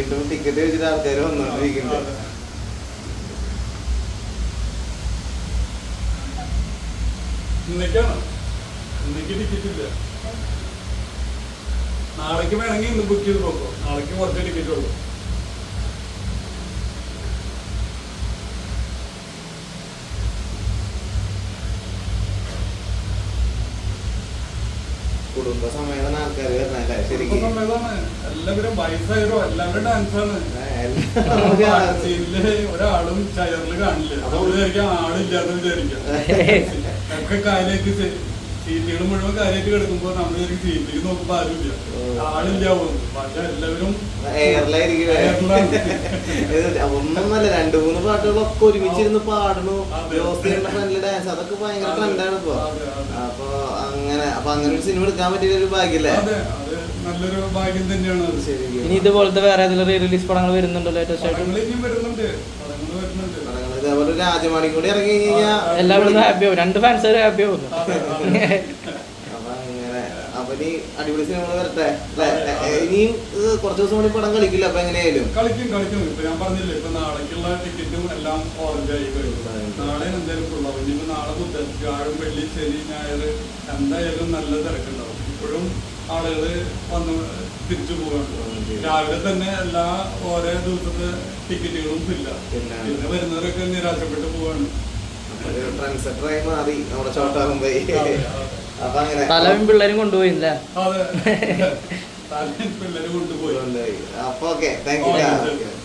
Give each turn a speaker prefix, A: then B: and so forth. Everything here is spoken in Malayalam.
A: വീണ്ടും ടിക്കറ്റ് വെച്ചിട്ട് ആൾക്കാർ വന്നോണ്ടിരിക്കുന്നുണ്ട്.
B: ഇന്നേക്കാണ്, ഇന്നേക്ക് ടിക്കറ്റ് ഇല്ല. നാളേക്ക് വേണമെങ്കിൽ ഇന്ന് ബുക്ക് ചെയ്ത് നോക്കോ, നാളേക്ക് കുറച്ച് ടിക്കറ്റ് ഉള്ളൂ.
A: കുടുംബസമേതം ആൾക്കാർ വരണല്ലേ? ശരിക്കും
B: എല്ലാവരും വയസ്സായവരോ എല്ലാവരും ഡാൻസാണ്. ഒരാളും ചയറില് കാണില്ല. നമ്മള് വിചാരിക്കാം ആളില്ലാന്ന് വിചാരിക്കാം. ഒക്കെ കാര്യമായിട്ട് സീറ്റുകൾ മുഴുവൻ കാര്യമായിട്ട് കിടക്കുമ്പോ നമ്മൾ വിചാരിക്കും സീറ്റിലേക്ക് നോക്കുമ്പോ ആരുമില്ല, ആളില്ലാവും. പക്ഷെ എല്ലാവരും
A: ഒന്നൊന്നല്ല 2-3 പാട്ടുകളൊക്കെ ഒരുമിച്ചിരുന്ന് പാടുന്നു. ഫ്രണ്ട്ലി ഡാൻസ് അതൊക്കെ ഭയങ്കര ട്രെൻഡാണ് ഇപ്പൊ. അപ്പൊ അങ്ങനെ ഒരു സിനിമ എടുക്കാൻ പറ്റിയ ഒരു ഭാഗ്യല്ലേ?
B: നല്ലൊരു ഭാഗ്യം തന്നെയാണ്.
C: ഇനി ഇതുപോലത്തെ വേറെ ഏതെങ്കിലും റീ റിലീസ് പടങ്ങൾ വരുന്നുണ്ടോ? ലേറ്റസ്റ്റ് ആയിട്ട്
A: ഇതേപോലെ രാജമാണി കൂടി ഇറങ്ങി കഴിഞ്ഞാൽ
C: എല്ലാവരും ഹാപ്പിയാവും, 2 ഫാൻസ് ഹാപ്പിയാവും.
A: അപ്പൊ അങ്ങനെ അപ്പൊ ഇനി അടിപൊളി സിനിമകൾ വരട്ടെ. ഇനിയും കുറച്ച് ദിവസം കൂടി പടം കളിക്കില്ല. അപ്പൊ എങ്ങനെയായാലും
B: കളിക്കും. ഇപ്പൊ ഞാൻ പറഞ്ഞില്ലേ, ഇപ്പൊ നാളേക്കുള്ള ടിക്കറ്റും എല്ലാം ഓറഞ്ച് ആയി കഴിഞ്ഞു. നാളെ എന്തായാലും ഫുള്ളാവും. ഇനിയിപ്പോ നാളെ ബുധൻ, വ്യാഴം, വെള്ളി, ശനി, ഞായർ എന്തായാലും നല്ല തിരക്കുണ്ടാവും. ഇപ്പോഴും ആളുകള് വന്ന് തിരിച്ചു പോവാണ്. രാവിലെ തന്നെ എല്ലാ ഓരോ ദിവസത്തെ ടിക്കറ്റുകളും ഇല്ല. പിന്നെ വരുന്നവരൊക്കെ നിരാശപ്പെട്ട് പോവാണ്.
A: ട്രെൻഡ്സെറ്ററായി മാറി നമ്മുടെ ചോട്ടാകുമ്പോ. അപ്പൊ അങ്ങനെ
C: തലവും പിള്ളേരും കൊണ്ടുപോയില്ല.
B: അതെ, പിള്ളേര് കൊണ്ടുപോയി.
A: അപ്പൊ ഓക്കെ, താങ്ക് യു.